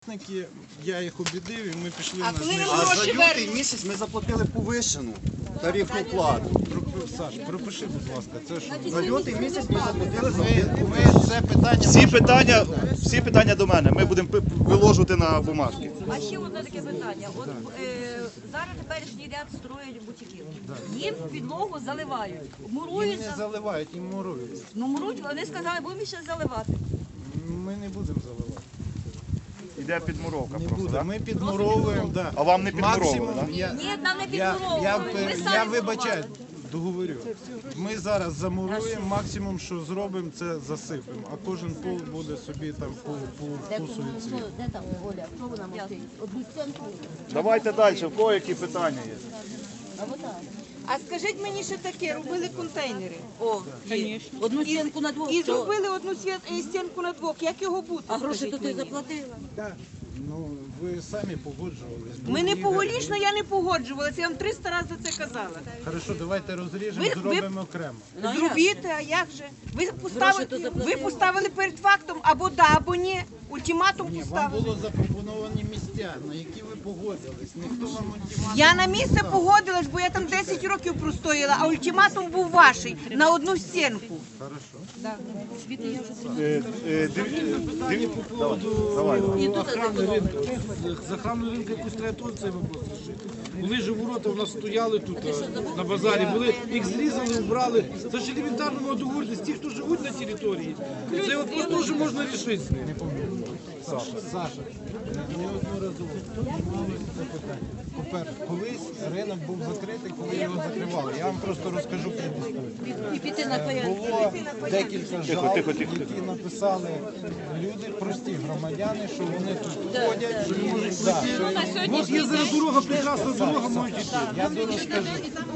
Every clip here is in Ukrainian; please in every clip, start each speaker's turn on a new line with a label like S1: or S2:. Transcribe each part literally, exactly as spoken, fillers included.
S1: власники, я їх обідив і ми пішли
S2: А
S1: на
S2: коли ви
S1: знижку.
S3: А за
S2: гроші
S3: лютий
S2: вернете?
S3: місяць ми заплатили повищену тарифну плату.
S1: Саш, пропиши, будь ласка, це що?
S3: За лютий місяць ми заплатили за
S1: Ви, ви це питання...
S4: Всі питання, всі питання до мене. Ми будемо пи- виложувати на бумажки.
S5: А ще одне таке питання. От е, зараз теперішній ряд строять бутиків. Їм підлогу заливають,
S1: Їм
S5: мурують,
S1: не заливають, їм мурують.
S5: ну мурують, вони сказали, будемо ще заливати.
S1: Ми не будемо заливати.
S4: Іде підмуровка
S1: Не
S4: просто,
S1: буде.
S4: так?
S1: Ми підмуровуємо, да.
S4: А вам не підмуровували,
S1: Максимум,
S4: да?
S1: я,
S5: Ні, нам не
S1: я, я,
S5: підмуровували. Ми
S1: я,
S5: самі
S1: я вибачаю,
S5: мурували.
S1: договорю. Ми зараз замуруємо, максимум, що зробимо, це засипемо. А кожен пол буде собі там по, по вкусу і цвіту.
S6: Де там Оля? Що вона мовчить? Одну стінку?
S4: Давайте далі, в кого які питання є?
S6: А вот так.
S2: А скажіть мені ще таке, робили контейнери.
S5: О, є. Одну стінку на двох.
S2: І
S5: що?
S2: зробили одну світ- е, стінку на двох. Як його бути?
S5: А гроші
S2: скажіть
S5: то ти
S2: мені?
S5: заплатила.
S1: Ну, ви самі погоджувались.
S2: Ми не
S1: Ігор.
S2: погоджувалися, я не погоджувалася. Я вам триста разів за це казала.
S1: Хорошо, давайте розріжемо,
S2: Ви- ви-
S1: зробимо окремо.
S5: Ну, а
S2: Зробіть, а як же? Ви поставили,
S5: то
S2: ви
S5: заплатили.
S2: поставили перед фактом або да, або ні. Ультиматум
S1: Ні, вам
S2: поставили.
S1: було запропоновані місця, на які ви погодились. Ніхто вам ультиматум
S2: Я на
S1: не
S2: місце
S1: ставив.
S2: погодилась, бо я там десять років простояла, а ультиматум був ваший на одну стінку.
S1: Хорошо.
S4: Е, е, див- е, див- Давай, давай.
S7: Охрану ринку. За охрану ринку якусь треба теж цей вопрос рішити. Були ж ворота, у нас стояли тут е, на базарі, були, їх зрізали, вбрали. Це ж елементарно мова договоритися. Ті, хто живуть на території, цей вопрос теж можна рішити з ними.
S1: Саша, Саша, неодноразово піднімалося це питання. По-перше, колись ринок був закритий, коли його закривали. Я вам просто розкажу предісторію.
S5: І піти на порядок.
S1: Було декілька жалоб,
S4: тихо, тихо,
S1: які написали люди, прості громадяни, що вони тут ходять, що можуть да, що-
S7: От є зараз дорога, прекрасна дорога, можуть йти.
S1: я дорозкажу.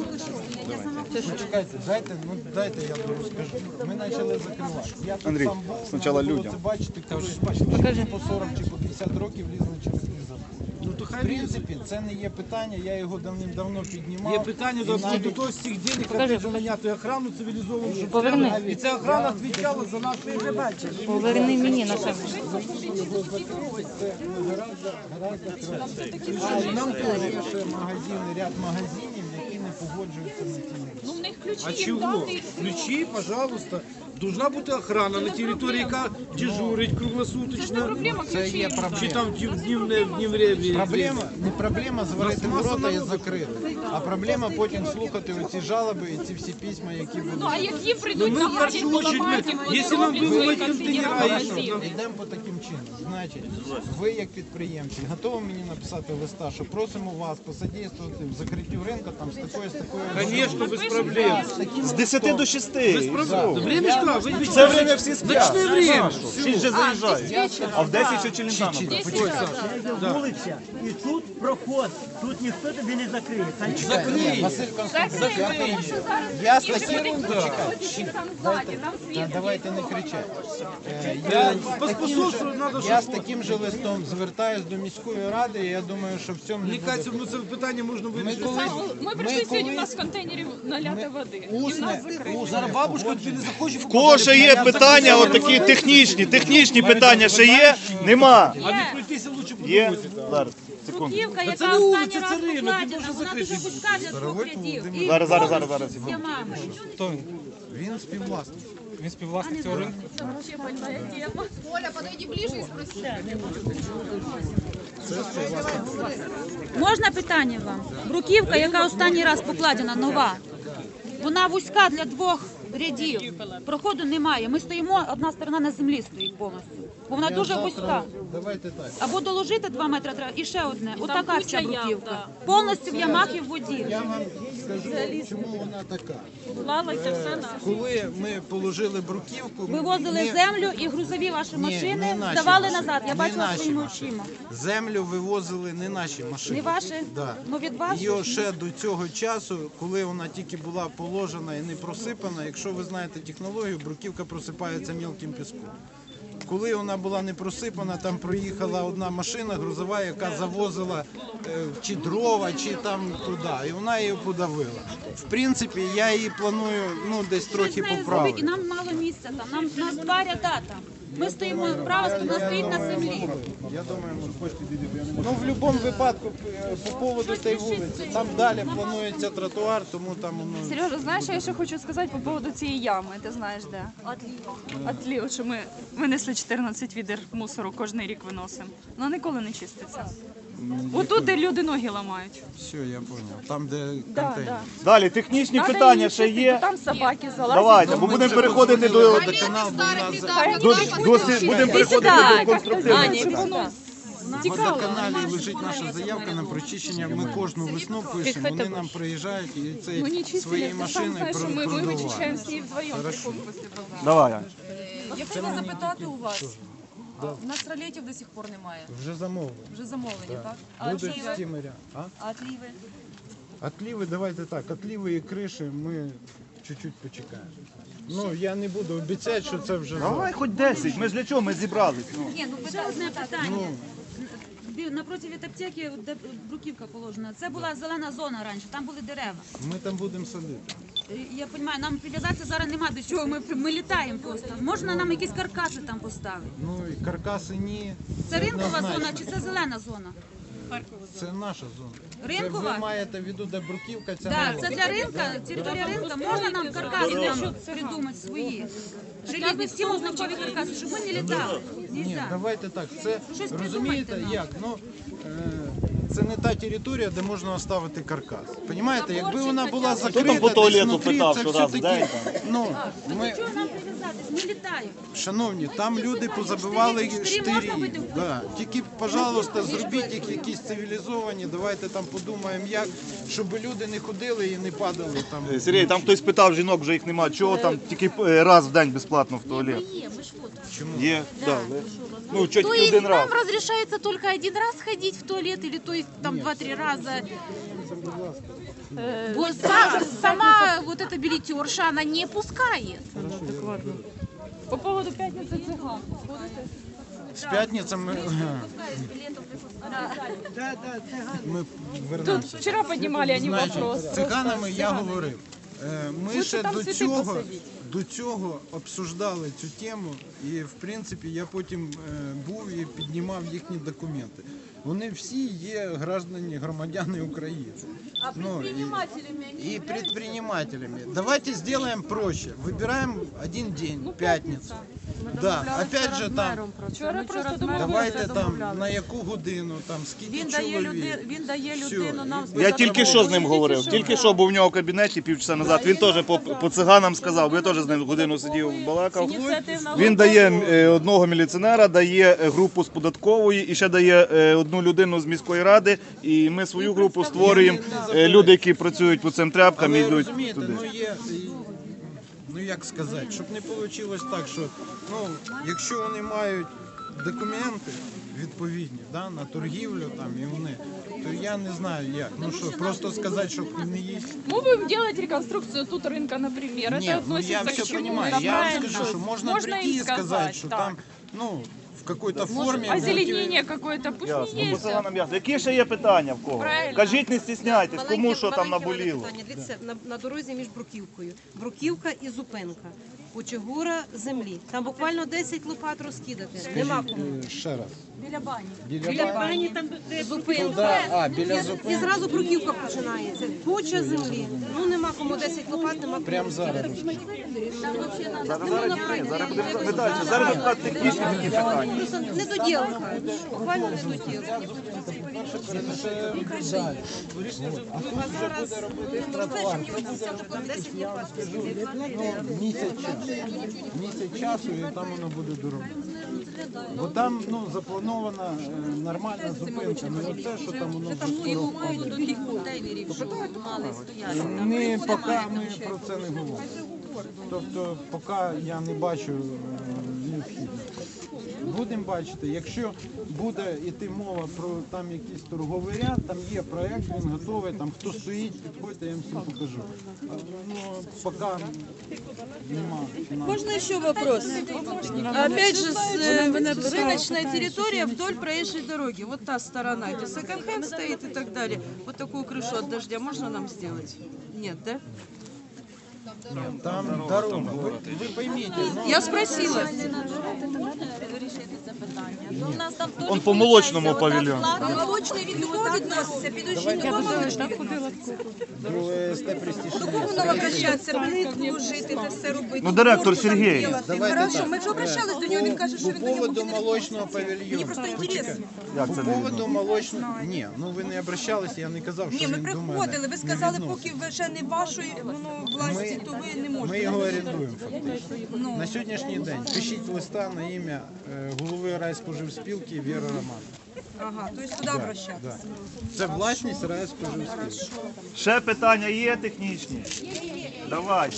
S1: Почекайте, дайте, ну дайте я дорозкажу. Ми почали закривати. Я тут
S4: Андрій,
S1: сам був,
S4: спочатку
S1: треба було
S4: людям.
S1: це бачити, коли бачите, по сорок чи по п'ятдесят років лізли через ліза.
S7: Ну то
S1: В
S7: хай лізе.
S1: принципі, це не є питання, я його давним-давно піднімав.
S7: Є питання
S1: І
S7: до,
S1: навіть-
S7: до того з цих денег, треба поміняти охрану цивілізовану, щоб поверни. І ця охрана відвічала за нас. Ти вже бачиш.
S8: Поверни мені на себе.
S1: Гораздо, гораздо краще. А нам теж є ще магазини, ряд магазинів, які не погоджуються на ті речі.
S7: А чого? Ключі, пожалуйста. Должна бути охрана на території, яка дежурить круглосуточно.
S1: Це є
S7: Чи
S1: проблема.
S7: там в днівне, в днівне
S1: Проблема, не проблема зварити
S7: Нас маса
S1: ворота і
S7: народу.
S1: закрити, а проблема потім слухати оці жалоби і ці всі письма, які будуть.
S8: А які
S7: Ну,
S8: прийдуть
S7: ми
S8: на
S7: в першу очередь, ми, якщо нам виводять контейнера, якщо нам-
S1: Йдемо по таким чином. Значить, ви як підприємці готові мені написати листа, що просимо вас посодействувати в закриттю ринку там з такою, з такою.
S7: Конечно, без проблем.
S4: З десяти до шести.
S7: Без проблем. Времечко, ви ви-
S4: Це время всі сплять.
S7: Ночне время.
S4: Всі вже заїжджають. А в десять ще челентами.
S9: Вулиця, і тут проход, тут ніхто тобі не закриє.
S7: Закрий.
S1: Василь Константинович, я приїду. Я з таким почекайте. Та давайте не кричати. Е, Я, з таким
S7: Поспособствую,
S1: же-
S7: надо,
S1: я з
S7: щоб-
S1: таким же листом звертаюсь до міської ради, і я думаю, що в цьому не
S7: Мені
S1: буде.
S7: кажеться, ну це питання можна
S1: Ми
S7: вирішити.
S1: коли
S8: Ми прийшли сьогодні, у нас з контейнерів наляти води. І в
S1: усне,
S8: нас закрито.
S7: Зараз бабушка тобі не захоче.
S4: В кого ще є питання, от такі технічні, технічні питання ще є? Нема.
S7: А не пройтися лучше по
S4: Є?
S7: дорозі. так.
S4: Зараз, секунду.
S5: Бруківка,
S7: це
S5: яка
S7: не
S5: останній
S7: вулиця,
S5: раз
S7: це ринок, він
S5: покладена,
S7: може
S5: вона
S7: закрити.
S5: дуже вузька для двох рядів. І
S4: Зараз, зараз, зараз, зараз.
S5: з ямами.
S1: він співвласник.
S7: Він співвласник цього ринку.
S8: Можна питання вам? Бруківка, яка останній раз покладена, нова, вона вузька для двох рядів. Проходу немає. Ми стоїмо, одна сторона на землі стоїть повністю. Бо вона
S1: Я
S8: дуже
S1: завтра-
S8: вузька.
S1: Давайте так.
S8: Або доложити два метри треба, і ще одне. Отака вся бруківка. Повністю в ямах і в воді.
S1: Я вам скажу, чому вона така.
S8: Плавайте все на.
S1: Коли ми положили бруківку,
S8: Вивозили
S1: ми-
S8: землю і грузові ваші
S1: Ні,
S8: машини
S1: не наші
S8: здавали
S1: машини,
S8: назад. Я
S1: не
S8: бачила
S1: наші
S8: своїми
S1: машини.
S8: очима.
S1: Землю вивозили не наші машини.
S8: Не ваші?
S1: Да.
S8: Ну від вас?
S1: Його ще до цього часу, коли вона тільки була положена і не просипана, якщо ви знаєте технологію, бруківка просипається мілким піском. Коли вона була не просипана, там проїхала одна машина грузова, яка завозила е, чи дрова, чи там туди, і вона її подавила. В принципі, я її планую ну, десь трохи
S8: Щось з нею зробити, і
S1: поправити.
S8: нам мало місця там. Нам нас два ряда там. Ми стоїмо, права сторона стоїть на землі.
S1: Я думаю, ну в будь-якому випадку е, по поводу цієї вулиці, там далі планується тротуар, тому там воно...
S10: Сережа, знаєш, я ще хочу сказати по поводу цієї ями. Ти знаєш де? Отліво, що ми винесли чотирнадцять відер мусору, кожен рік виносимо. Воно ніколи не чиститься. Отут, де люди ноги ламають.
S1: Все, я зрозумів. Там, де
S10: Да,
S1: контейнер.
S10: да.
S4: Далі, технічні
S10: Надо
S4: питання
S10: її
S4: ще
S10: чистити,
S4: є.
S10: бо там собаки залазять.
S4: Давайте, бо будемо переходити до,
S1: Водоканал, бо у нас за-
S4: до, до, будемо переходити до конструктивних питань.
S1: в водоканалі лежить наша заявка на прочищення. Ми кожну весну пишемо, вони нам приїжджають і це
S10: Ну не чистили,
S1: свої
S10: ти сам
S1: машини
S10: знаєш, що ми
S1: продувають.
S10: вичищаємо всі вдвоєм приходимо після базару.
S4: Давай, Ань.
S11: Я хотіла запитати у вас. У нас ролетів до сих пор немає.
S1: Вже замовили.
S11: Вже замовлені, так? А
S1: Будуть
S11: отліви?
S1: стімеря. А?
S11: А отліви?
S1: Отліви, давайте так, отліви і криші ми чуть-чуть почекаємо. Ну, я не буду обіцяти, що це вже
S4: Давай хоч десять, ми ж для чого, ми зібрались. Ну.
S8: Ні, ну питання, одне питання. Бі- Напроти від аптеки, де бруківка положена, це була зелена зона раніше, там були дерева.
S1: Ми там будемо садити.
S8: Е, Я розумію, нам прив'язатися зараз нема до чого, ми, ми літаємо просто. Можна нам якісь каркаси там поставити?
S1: Ну, і каркаси ні.
S8: Це ринкова
S1: однозначно.
S8: зона чи це зелена зона?
S1: Це наша зона.
S8: Ринкова?
S1: Це ви маєте в виду, де бруківка, ця
S8: Так,
S1: нова.
S8: це для ринка, територія ринка. Можна нам каркаси там придумати свої? Желізні, всі однакові каркаси, щоб ми не літали.
S1: Ні,
S8: Нельзя.
S1: давайте так. Це
S8: Щось
S1: розумієте,
S8: придумайте нам.
S1: як? Ну е, це не та територія, де можна оставити каркас. Понімаєте, якби вона була закрита,
S4: там по
S1: десь
S4: туалету
S1: внутрі,
S4: питав,
S1: це
S4: що
S1: все
S4: раз в
S1: таки.
S4: день
S1: Ну ми,
S8: Чого нам прив'язатись? Ми літаємо.
S1: шановні, там люди позабивали
S8: Штирі- штирі можна
S1: штирі.
S8: бити в
S1: Да. Тільки, пожалуйста, зробіть їх якісь цивілізовані. Давайте там подумаємо, як, щоб люди не ходили і не падали там.
S4: Сергій, там хтось питав жінок, вже їх немає. Чого там тільки е, раз в день безплатно в туалет? Є, да. Ну, чуть
S6: То
S4: не один
S6: есть
S4: раз.
S6: нам разрешается только один раз ходить в туалет, или то есть там два-три раза? Э, Вот са- сама вот эта билетерша, она не пускает.
S10: По поводу п'ятниці циган.
S1: З п'ятниці ми, ми вернемося.
S10: Вчора піднімали вони
S1: Значить,
S10: вопрос.
S1: з циганами я говорив. Е, Ми
S10: Лучше
S1: ще
S10: там
S1: до
S10: цвіти
S1: цього,
S10: посадіть.
S1: до цього обсуждали цю тему, і в принципі я потім е, був і піднімав їхні документи. Вони всі є граждані, громадяни України. А ну, и, и предпринимателями. Давайте сделаем проще. Выбираем один день, пятницу. Да, опять же там,
S10: Вчора просто думали,
S1: давайте там на яку годину, там скільки
S11: Він дає,
S1: чоловік.
S11: люди, він дає
S1: Всьо.
S11: людину нам
S4: Я тільки що з ним говорив, тільки що був у нього в кабінеті півчаса назад. Він теж по, по циганам сказав, бо я теж з ним годину сидів, балакав. Він дає е, одного міліціонера, дає е, групу з податкової і ще дає е, одну людину з міської ради. І ми свою групу створюємо. Е, Люди, які працюють по цим тряпкам,
S1: Але
S4: йдуть
S1: розумієте,
S4: туди.
S1: ну є, і- ну як сказати, щоб не вийшло так, що ну, якщо вони мають документи відповідні да, на торгівлю там і вони, то я не знаю як. Ну що, просто сказати, щоб не їсть.
S10: Мы будем делать реконструкцию тут рынка, например.
S1: Ні,
S10: Это
S1: ну я
S10: относится
S1: все
S10: к чему?
S1: понимаю.
S10: Да,
S1: Я вам
S10: правильно.
S1: скажу, що можна,
S10: Можно
S1: прийти
S10: им
S1: і сказати,
S10: сказать,
S1: що
S10: так.
S1: там ну, в какой-то формі.
S10: Озеленение какое-то, пусть
S4: Ясно,
S10: не
S4: по
S10: есть.
S4: циганам ясно. Які ще є питання в кого?
S10: Правильно.
S4: Кажіть, не стісняйтесь, кому
S12: Маленьке-
S4: що там
S12: маленьке в мене
S4: наболіло.
S12: питання. Дивіться, на, на дорозі між Бруківкою. Бруківка і зупинка. Кучугура землі. Там буквально десять лопат розкидати. Нема кому.
S1: Е, Ще раз.
S8: Біля бані.
S1: Біля
S12: Бані там де зупинка.
S1: Туди, а, біля
S12: І
S1: зупинки.
S12: зразу Бруківка починається. Куча землі. Ну нема кому десять лопат, нема кому.
S1: Прямо зараз.
S4: Зараз, зараз, ні, зараз будемо запитати. Зараз запитати технічні такі питання.
S12: Просто недоділка. Буквально недоділка.
S1: Місяць часу. Місяць часу і там воно буде дорого. Бо там ну, запланована е, нормальна зупинка. Не оце, що там воно вже скоро впаде.
S11: до тих контейнерів, що мали стояти.
S1: Ми поки ми про це не говоримо. Тобто, поки я не бачу е, необхідності. Будемо бачити, якщо буде йти мова про там якийсь торговий ряд, там є проект, він готовий, там хто стоїть, підходьте, я їм всім покажу. А, ну, поки нема.
S11: Можно еще вопрос? Опять же, с, э, рыночная территория вдоль проезжей дороги. Вот та сторона, где секонд-хенд стоит и так далее. Вот такую крышу от дождя можно нам сделать? Нет, да?
S1: Там дорога. Ви, ви пойміть, ну,
S11: Я спросила.
S4: Он по молочному павільйону.
S5: Молочний від кого відноситься? Підожди, до кого молочний відноситься?
S1: до ВСТ «Престиж».
S5: До кого нам обращатися? Плитку ложити, це все робити.
S4: Ну, директор
S5: Можна
S4: Сергій.
S5: так делати. Хорошо, ми вже обращались до нього, він каже, що
S1: По
S5: він до нього
S1: поводу
S5: буде
S1: молочного
S5: відноситися. Мені
S1: павільйону.
S5: просто інтересно.
S4: Як
S1: По
S4: це не
S1: поводу
S4: відомо?
S1: молочного... Ні, ну ви не обращалися, я не казав,
S5: Ні,
S1: що
S5: ми
S1: він до мене
S5: приходили, ви
S1: не
S5: сказали,
S1: відноситься.
S5: поки ви ще не вашої воно, власті, то ви не можете.
S1: Ми його орендуємо фактично.
S5: Ну.
S1: На сьогоднішній день пишіть листа на ім'я е, голови райспоживспілки Віри Романовни.
S5: Ага, то есть туди обращатися.
S1: Да. Це власність райспоживспілки.
S4: Ще питання є технічні? Давайте.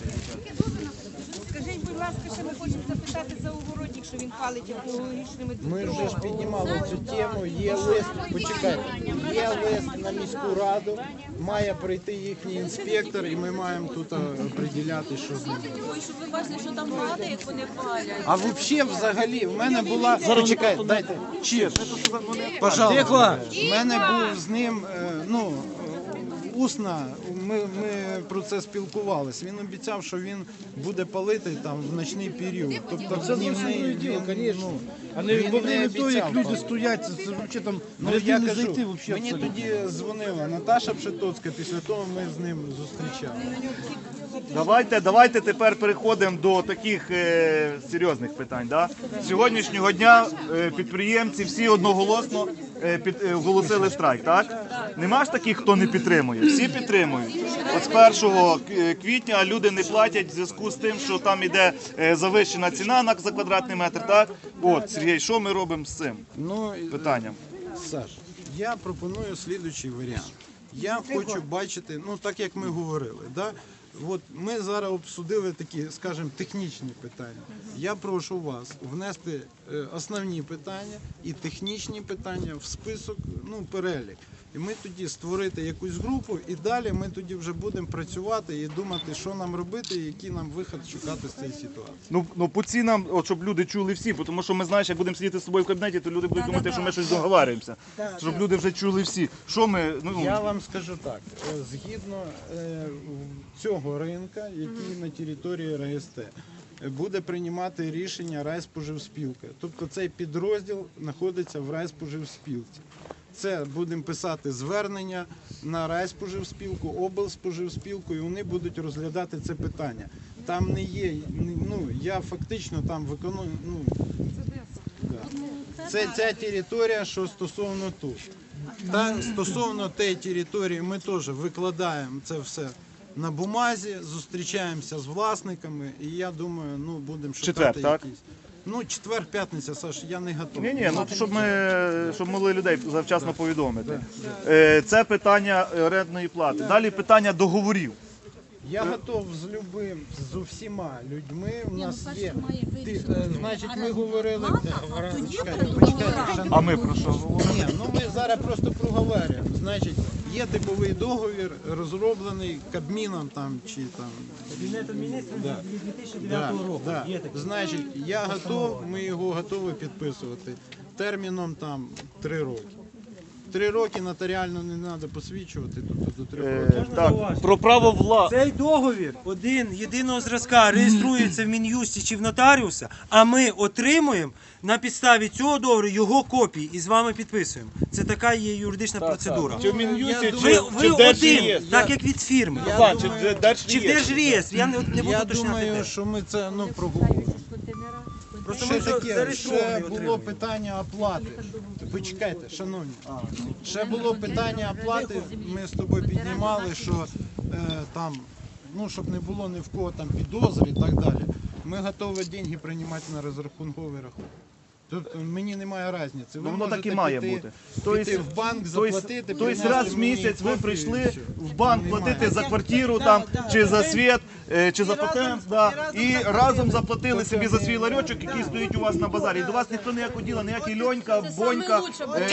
S2: Скажіть, будь ласка, ще ми хочемо запитати за огородник, що він палить екологічними
S1: Ми вже ж піднімали цю тему, є лист, почекайте, є лист на міську раду, має прийти їхній інспектор і ми маємо тут определяти, що з ним.
S5: Ой, щоб ви бачили, що там падає, як вони палять.
S1: А взагалі, взагалі, в мене була... Почекайте, дайте, чірш. Пожалуйста. В мене був з ним, е, ну, усно, ми, ми про це спілкувалися. Він обіцяв, що він буде палити там в ночний період. Тобто
S7: Це
S1: в днівний,
S7: зрозуміло діло,
S1: він,
S7: звісно.
S1: ну,
S7: А не
S1: він
S7: во время того, як
S1: обіцяв
S7: люди
S1: палити.
S7: стоять, це, це взагалі там
S1: Ну,
S7: ряди
S1: я
S7: не
S1: кажу,
S7: зайти взагалі.
S1: мені
S7: абсолютно.
S1: тоді дзвонила Наташа Пшетоцька, після того ми з ним зустрічали.
S4: Давайте, давайте тепер переходимо до таких е, серйозних питань. Да? З сьогоднішнього дня е, підприємці всі одноголосно е, під, е, оголосили страйк, так? Нема ж таких, хто не підтримує. Всі підтримують. От з першого квітня люди не платять в зв'язку з тим, що там іде е, завищена ціна на за квадратний метр. Так? От, Сергій, що ми робимо з цим
S1: Ну,
S4: питанням?
S1: Саш, я пропоную слідуючий варіант. Я хочу бачити, ну так як ми говорили, да? От ми зараз обсудили такі, скажімо, технічні питання. Я прошу вас внести е, основні питання і технічні питання в список, ну, перелік. І ми тоді створити якусь групу, і далі ми тоді вже будемо працювати і думати, що нам робити, і який нам вихід шукати з цієї ситуації.
S4: Ну, ну по цінам, от, щоб люди чули всі, тому що ми знаєш, як будемо сидіти з тобою в кабінеті, то люди будуть думати, що ми щось договарюємося. Щоб люди вже чули всі. Що ми, ну,
S1: Я вам скажу так, е, згідно е, цього ринка, який на території РГСТ, е, буде приймати рішення райспоживспілка. Тобто цей підрозділ знаходиться в райспоживспілці. Це будемо писати звернення на райспоживспілку, облспоживспілку, і вони будуть розглядати це питання. Там не є, ну, я фактично там виконую, ну, да. Це ця територія, що стосовно тут. Та стосовно тієї території ми теж викладаємо це все на бумазі, зустрічаємося з власниками, і я думаю, ну, будемо шукати
S4: Четвер, так?
S1: якісь. Ну, четвер, п'ятниця, Саш, я не готовий.
S4: Ні, ні, ну щоб ми щоб могли людей завчасно повідомити. Е, Це питання орендної плати. Далі питання договорів.
S1: Я готов з любим, з усіма людьми. У нас є. Ти, е, значить, ми говорили. Почекайте, почекайте,
S4: А
S1: шановні.
S4: ми про що говоримо?
S1: Ні, ну ми зараз просто проговорюємо. Значить, є типовий договір, розроблений Кабміном там чи там.
S9: Кабінетом міністрів
S1: Да.
S9: дві тисячі
S1: Да,
S9: дев'ятого року.
S1: да.
S9: Є таке.
S1: Значить, я готов, ми його готові підписувати терміном там три роки. Три роки нотаріально не треба посвідчувати, тобто до трьох
S4: Е,
S1: років.
S4: Так, про право вла...
S9: Цей договір один єдиного зразка реєструється в Мін'юсті чи в нотаріуса, а ми отримуємо на підставі цього договору його копії і з вами підписуємо. Це така є юридична процедура.
S4: Чи в Мін'юсті,
S1: Я
S4: чи,
S9: Ви,
S1: думаю,
S9: ви
S4: чи в
S9: один,
S4: Держреєстрі?
S9: так як від фірми.
S4: Іван, чи в
S9: Чи в
S4: Держреєстрі?
S9: Держреєстрі, я не, не буду
S1: Я
S9: уточняти.
S1: думаю,
S9: де.
S1: що ми це ну, проговоримо.
S9: Просто
S1: Ще
S9: ми вже
S1: таке, ще
S9: зареєстровані
S1: було
S9: отримуємо.
S1: питання оплати. Почекайте, шановні. Ще було питання оплати. Ми з тобою піднімали, що е, там, ну щоб не було ні в кого там підозри і так далі. Ми готові гроші приймати на розрахунковий рахунок. Тобто мені немає різниці. Ви
S4: Ну, воно так і
S1: можете
S4: має
S1: піти,
S4: бути.
S1: піти в банк, заплатити,
S4: Тобто
S1: принести
S4: раз в
S1: мені
S4: місяць ви
S1: копію, і
S4: прийшли
S1: все.
S4: в банк
S1: Немає.
S4: платити за квартиру там, чи за світ, е, чи за патент, да, і разом заплатили собі за свій ларьочок, який стоїть у вас на базарі. І до вас ніхто ніякого діла, ніякий Льонька, Бонька, е,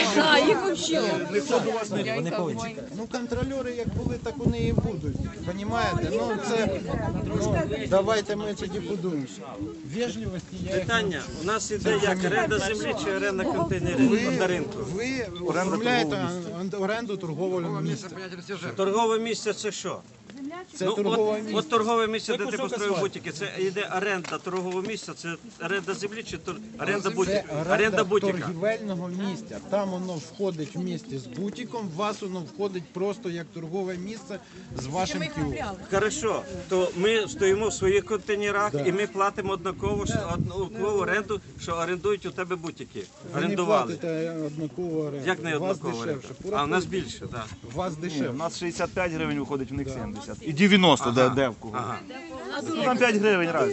S4: ніхто до вас не...
S1: Ну, контролери як були, так вони і будуть. Понімаєте? Ну, це, ну, давайте ми тоді подумаємо. Вежливості я їх
S9: Питання. У нас іде як оренда землі чи оренда контейнерів на ринку.
S1: Ви оформляєте оренду торгового місця.
S9: Торгове місце це що?
S1: Це
S13: Ну,
S1: торгове
S13: от,
S1: місце.
S13: от торгове місце,
S9: Це
S13: де ти
S9: кусок
S13: построїв
S9: асфальту.
S13: бутики, це йде оренда торгового місця, це оренда землі чи тор... оренда
S1: Це
S13: бутика?
S1: оренда
S13: Оренда бутика.
S1: торгівельного місця. Там воно входить в місті з бутиком, в вас воно входить просто як торгове місце з вашим кіоском.
S13: Хорошо, то ми стоїмо в своїх контейнерах і ми платимо однаково ж- однакову оренду, що орендують у тебе бутики.
S1: Ви не
S13: Орендували.
S1: платите однакову оренду.
S13: Як не
S1: У вас
S13: однаково оренда?
S1: дешевше.
S13: А у нас більше, так.
S1: У вас
S4: Ні,
S1: дешевше.
S4: у нас шістдесят п'ять гривень виходить, в них сімдесят. І дев'яносто, де, де в кого.
S13: Ага.
S4: Ну, там п'ять гривень разі.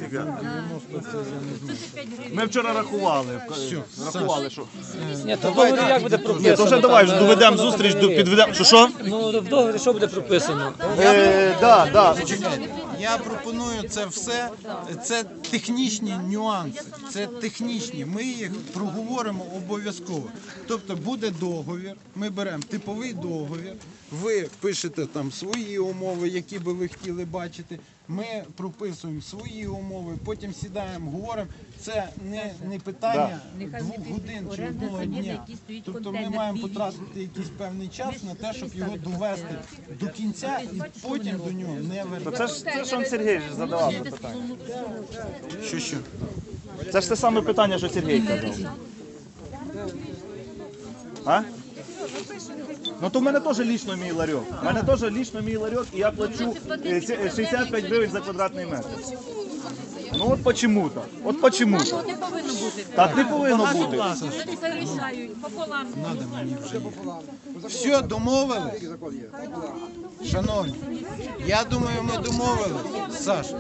S4: Ми вчора рахували. Рахували, що.
S14: Ні, то в договорі як буде прописано?
S4: Ні, то вже давай, вже
S14: Там,
S4: доведемо
S14: е,
S4: зустріч,
S14: договорі.
S4: підведемо. Що, що?
S14: Ну, в договорі що буде прописано?
S4: Е, да, да.
S1: Я пропоную це все, це технічні нюанси, це технічні, ми їх проговоримо обов'язково. Тобто буде договір, ми беремо типовий договір, ви пишете там свої умови, які би ви хотіли бачити, ми прописуємо свої умови, потім сідаємо, говоримо. Це не, не питання двох годин чи одного дня. Тобто ми маємо потратити якийсь певний час на те, щоб його довести до кінця і потім до нього не
S4: То
S1: вертатися.
S4: це ж це ж он Сергій ж задавав це питання.
S1: Що що?
S4: Це ж те саме питання, що Сергій казав. А? Ну то в мене теж лічно мій ларьок. У мене теж лічно мій ларьок, і я плачу е, ці- е, шістдесят п'ять гривень за квадратний метр. Ну от почему-то. От почему-то. Так не повинно бути.
S1: Надо мені вже. Все, домовили? Шановні, я думаю, ми домовили. Саша,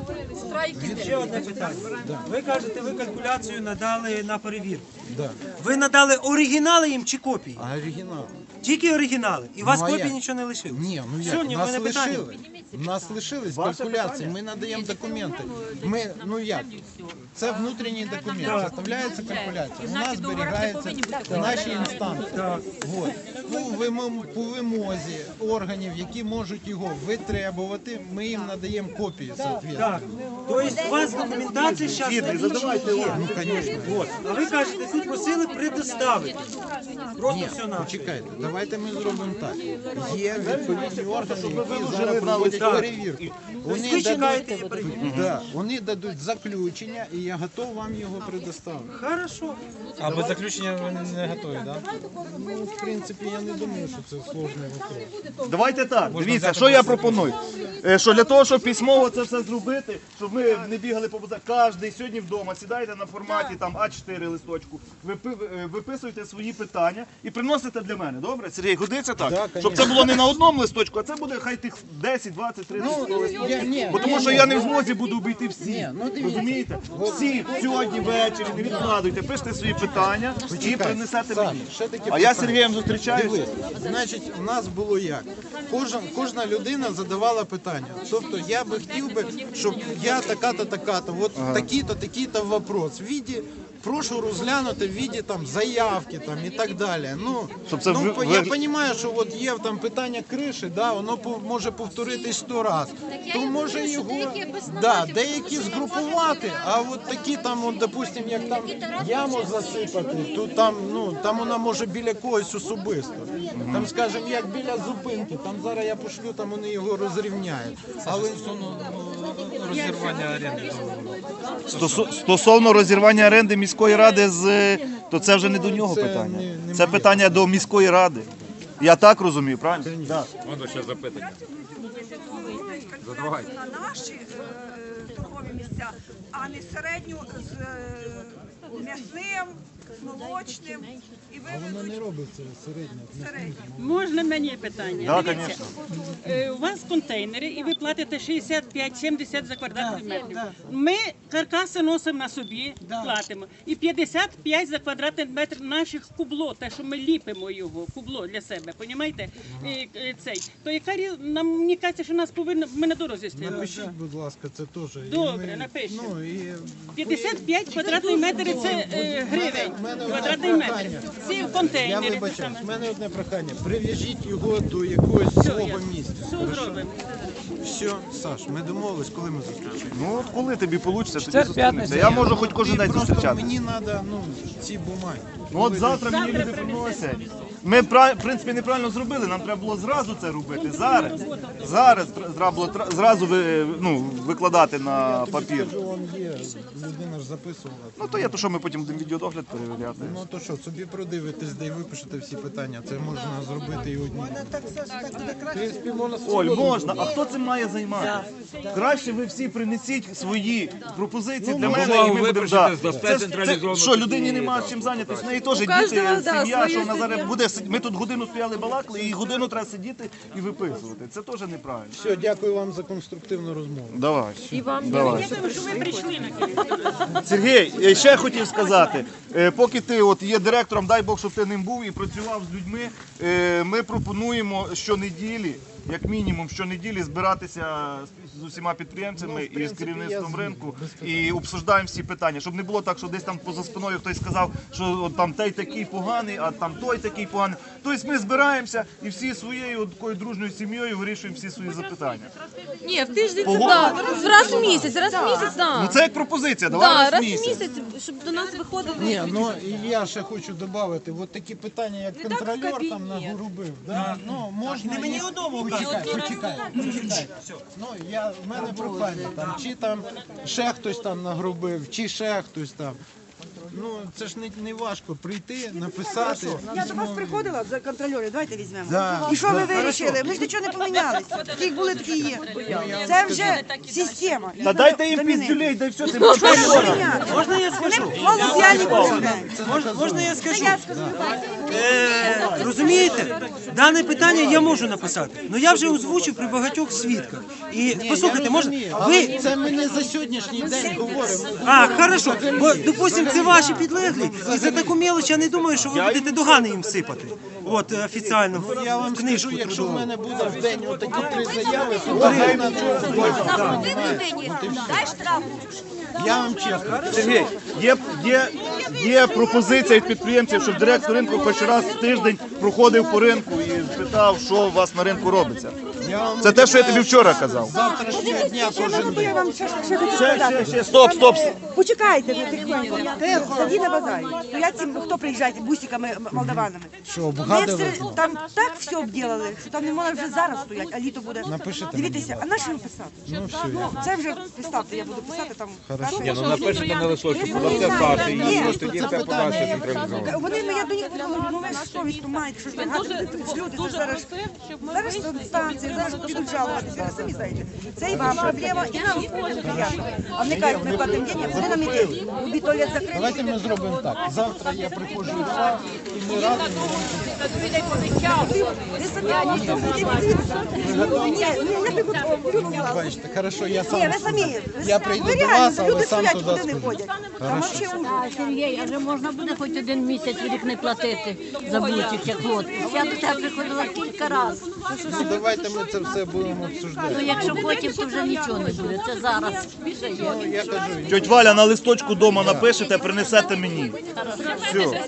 S9: Ще одне питання. Ви кажете, ви калькуляцію надали на перевірку.
S1: да.
S9: Ви надали оригінали їм чи копії?
S1: А оригінал?
S9: Тільки оригінали. І у вас
S1: Ну, а
S9: копії
S1: як?
S9: нічого не лишилось?
S1: Ні, ну
S9: Все,
S1: як,
S9: ні, в
S1: нас
S9: мене питання.
S1: лишили. Нас лишились калькуляції, ми надаємо документи. Ми, ну як, це внутрішній документ, заставляється калькуляція. У нас зберігається в нашій інстанції. Вот. По, вимом- по вимозі органів, які можуть його витребувати, ми їм надаємо копії, соответственно.
S9: Так. Тобто у вас документація зараз є.
S1: Ну, звісно.
S9: От. А ви кажете, ви просили предоставити. Просто
S1: Ні,
S9: все на.
S1: почекайте, давайте ми зробимо так. Є відповідні органи, які зараз проводять перевірку. Вони
S9: ви чекаєте
S1: дадуть,
S9: її перевірку?
S1: да, вони дадуть заключення, і я готов вам його предоставити.
S9: Хорошо.
S14: А без заключення ви не готові, так?
S1: Ну, в принципі, я не думаю, що це сложний вопрос.
S4: Давайте так, дивіться, що я пропоную. Е, Що для того, щоб письмово це все зробити, щоб ми не бігали по базару, кожен сьогодні вдома сідайте на форматі там а чотири листочку, випи- е, виписуйте свої питання і приносите для мене, добре? Сергій, годиться так?
S1: Да,
S4: Щоб це було не на одному листочку, а це буде хай тих десять, двадцять, тридцять
S1: я-
S4: листочків.
S1: ні,
S4: Бо тому
S1: ні,
S4: що
S1: ні.
S4: я не в змозі буду обійти всі.
S1: Ні, ну, дивіться.
S4: Розумієте? Всі сьогодні ввечері, не відкладуйте, пишете свої питання і
S1: Почекай,
S4: принесете
S1: Саш,
S4: мені.
S1: ще таке
S4: А я з
S1: питання.
S4: Сергієм зустрічаюся.
S1: Дивись, значить, у нас було як? Кожна, кожна людина задавала питання. Тобто я би хотів би, щоб я така-то, така-то, от такі-то, такі-то вопрос. В віді, прошу розглянути в віді там заявки там і так далі. Ну,
S4: Щоб це
S1: ну
S4: ви-
S1: по-
S4: ви-
S1: я розумію, що от є там питання криші, да, воно по- може повторитись сто разів. То може його да, деякі згрупувати, а от такі там, от, допустим, як там яму засипати, то там, ну, там вона може біля когось особисто. Там, скажімо, як біля зупинки, там зараз я пошлю, там вони його розрівняють. Але
S14: Розірвання оренди.
S4: Стосу- Стосовно розірвання оренди міської ради, з, то це вже не до нього
S1: Це
S4: питання.
S1: не- не
S4: Це
S1: моє.
S4: питання до міської ради. Я так розумію, правильно? Да.
S14: Можна ще запитання. Задавайте.
S5: На наші е, торгові місця, а не середню з е, м'ясним, з молочним. І ви
S1: вона не робить це середньо.
S5: середню.
S15: Можна мені питання?
S4: Да,
S15: Дивіться,
S4: конечно.
S15: е, у вас контейнери і ви платите шістдесят п'ять сімдесят за квадратний метр. Ми каркаси носимо на собі, платимо. І п'ятдесят п'ять за квадратний метр наших кубло, те, що ми ліпимо його, кубло для себе, понімаєте? І, е, цей. То яка різ- нам мені кажеться, що нас повинно, ми на дорозі стоїмо.
S1: Напишіть, будь ласка, це теж. І
S15: Добре,
S1: ми-
S15: напишемо.
S1: Ну, і
S15: п'ятдесят п'ять квадратний метр – це е, гривень. Квадратний метр. Ці
S1: Я
S15: контейнери. те
S1: вибачаюсь,
S15: саме.
S1: в мене одне прохання. Прив'яжіть його до якогось свого місця.
S15: Все зробимо.
S1: Все, Саш, ми домовились, коли ми зустрічаємося.
S4: Ну, от коли тобі вийде, тоді
S14: Четвер,
S4: зустрінемося.
S14: п'ятниця.
S4: Я можу хоч кожен
S1: Ти
S4: день
S1: просто
S4: зустрічатися.
S1: мені треба, ну, ці бумаги.
S4: Ну от завтра мені люди приносять. Ми, в принципі, неправильно зробили, нам треба було зразу це робити. Зараз, зараз треба було тра- зразу ви- ну, викладати на папір.
S1: Он є, людина ж записувала.
S4: Ну, то є то, що ми потім будемо відеодогляд перевіряти.
S1: Ну то що, собі продивитесь, де й випишете всі питання. Це можна зробити і одні.
S4: Оль, можна, а хто цим має займатися? Краще ви всі принесіть свої пропозиції
S1: Ну,
S4: для
S1: можна
S4: мене, і ми
S14: ви
S4: будемо...
S14: пишете,
S4: Да.
S14: здасте
S4: Це ж-
S14: централізовано
S4: це- Що, людині
S14: тоді,
S4: немає
S14: так.
S4: чим зайнятися, в неї теж діти,
S11: кожного, да,
S4: сім'я,
S11: своє
S4: що вона зараз
S11: життя.
S4: буде... Ми тут годину стояли балакали, і годину треба сидіти і виписувати. Це теж неправильно.
S1: Все, дякую вам за конструктивну розмову.
S4: Давай.
S11: І вам
S4: Давай.
S11: дякую, що ви прийшли.
S4: Сергій, я ще хотів сказати, е, поки ти от є директором, дай Бог, щоб ти ним був і працював з людьми, е, ми пропонуємо щонеділі, як мінімум щонеділі збиратися з- з усіма підприємцями
S1: Ну, в
S4: і з
S1: принципі,
S4: керівництвом
S1: я з-
S4: ринку
S1: без питань.
S4: і обсуждаємо всі питання, щоб не було так, що десь там поза спиною хтось сказав, що от там той такий поганий, а там той такий поганий. Тобто ми збираємося і всі своєю от такою дружньою сім'єю вирішуємо всі свої запитання.
S11: Ні, в тиждень це
S4: Погода?
S11: так. Раз в місяць, раз в місяць, так.
S4: Ну це як пропозиція, давай
S11: Да,
S4: раз
S11: раз
S4: в
S11: в
S4: місяць.
S11: місяць, щоб до нас виходили.
S1: Ні, ну і я ще хочу додати, от такі питання, як контролер там нагорубив, да? Ну, можна...
S9: Не мені
S1: їх-
S9: додому
S1: Почекай, почекай, почекай. Ну, я, в мене прохання, там, чи там ще хтось там нагрубив, чи ще хтось там. Ну, це ж не, не важко прийти, написати.
S5: Я до вас приходила за контролерів, давайте візьмемо.
S1: Да,
S5: І що ви
S1: да.
S5: вирішили? Ми ж нічого не помінялися. Ті були, такі є. Це вже система.
S4: Та дайте їм піздюлей, дай все, тим
S9: Можна я скажу?
S5: Вони малоз'яльні були.
S9: Можна, можна я скажу? Е, розумієте, дане питання я можу написати, але я вже озвучив при багатьох свідках. І послухайте, можна
S1: Але
S9: ви.
S1: це ми не за сьогоднішній день говоримо.
S9: А, хорошо, бо, допустим, це ваші підлеглі, і за таку мелоч я не думаю, що ви будете догани їм сипати. От, е, офіційно, в,
S1: Я вам
S9: в книжку
S1: скажу, якщо в
S9: трудову.
S1: мене буде в день отакі три заяви, то Україна я вам чесно.
S4: Сергій, є, є, є пропозиція від підприємців, щоб директор ринку хоч раз в тиждень проходив по ринку і питав, що у вас на ринку робиться. Це те, що я тобі вчора казав.
S1: Завтрашнього дня кожен день.
S5: Я вам ще, ще хочу
S4: Ще,
S5: сказати.
S4: ще, ще, стоп, стоп.
S5: Почекайте, ви тихенько. Ти тоді на базарі. То я цим, хто приїжджає, бусиками м- молдаванами.
S1: Що,
S5: Ми
S1: обгадили?
S5: все- там так все обділили, що там не можна вже зараз стояти, а літо буде.
S1: Напишете
S5: Дивіться, а на що їм писати?
S1: Ну все,
S5: Ну, це вже представте, я буду писати там.
S1: Хорошо.
S14: Ні, ну напишете на листочку, подасте старший, і просто тоді це подасться централізовано.
S5: Вони, ну, я до них подумала, ну ви ж совість маєте, що ж ви гадите, люди, це зараз, зараз станції, зараз підуть жалуватися, ви самі знаєте. Це і вам проблема, і нам приємно. А вони кажуть, ми платимо деньги, вони нам ідуть. Любі туалет закрили.
S1: Давайте ми зробимо так. Завтра я приходжу до вас і ми разом.
S5: Ви самі можете подивитися. Ні, ні, я не готова.
S1: Бачите, хорошо, я
S5: Ні,
S1: сам.
S5: ви самі.
S1: Я прийду
S5: Ви
S1: до
S5: реально,
S1: вас, але
S5: люди
S1: сам
S5: стоять,
S1: туди
S5: куди не
S1: сходжу.
S5: ходять. Там
S1: Хорошо.
S5: вообще ужас.
S16: Сергій, а вже можна буде хоч один місяць рік не платити за бутик, як от. Я до тебе приходила кілька разів.
S1: Ну давайте ми це все будемо обсуждати.
S16: Ну якщо потім, то вже нічого не буде. Це зараз вже є.
S1: Ну, я кажу,
S4: Тьоть Валя на листочку вдома напишете, принесете мені. Все.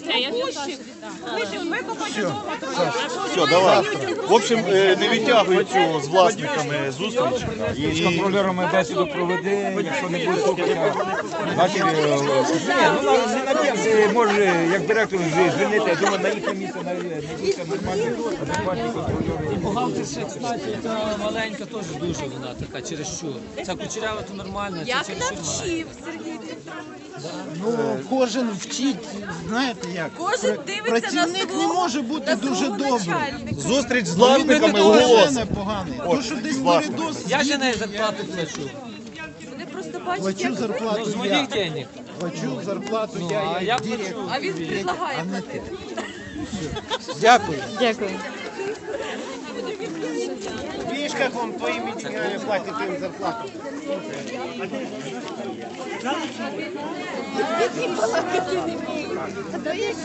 S4: Все, давай. В общем, е, не відтягуй цю з власниками зустріч.
S14: І з контролерами бесіду проведи, якщо не буде слухати. Значить, е, ні, ну на- не на тим, ти може, як директор вже звільнити, я думаю, на їхнє місце знайдуться нормальні, адекватні контролери.
S17: Бухгалтерська ситуація та маленька теж дуже вона така, через що. Ця кучерява то нормально, це
S10: Як
S17: через що
S10: навчив Сергій Вікторович.
S1: ну кожен вчить, знаєте як.
S10: Кожен
S1: Пр-
S10: дивиться на
S1: Працівник
S10: свого-
S1: не може бути
S10: на
S1: дуже
S10: свого
S1: добрий.
S10: начальника.
S4: Зустріч з
S1: Він не
S4: власниками
S1: до
S4: голос.
S1: мене поганий.
S4: От,
S1: То, що десь
S4: з власниками.
S1: передос,
S17: Я ж не зарплату плачу.
S10: Вони просто бачать,
S1: плачу
S10: як
S1: зарплату
S17: З
S1: я.
S17: моїх денег.
S1: Плачу зарплату
S17: Ну,
S1: я,
S17: а
S1: як
S17: я
S1: директор.
S17: плачу.
S10: а він предлагає
S1: А не
S10: платити.
S1: Дякую.
S11: Дякую.
S1: Видишь, как он твоими деньгами платит им зарплату?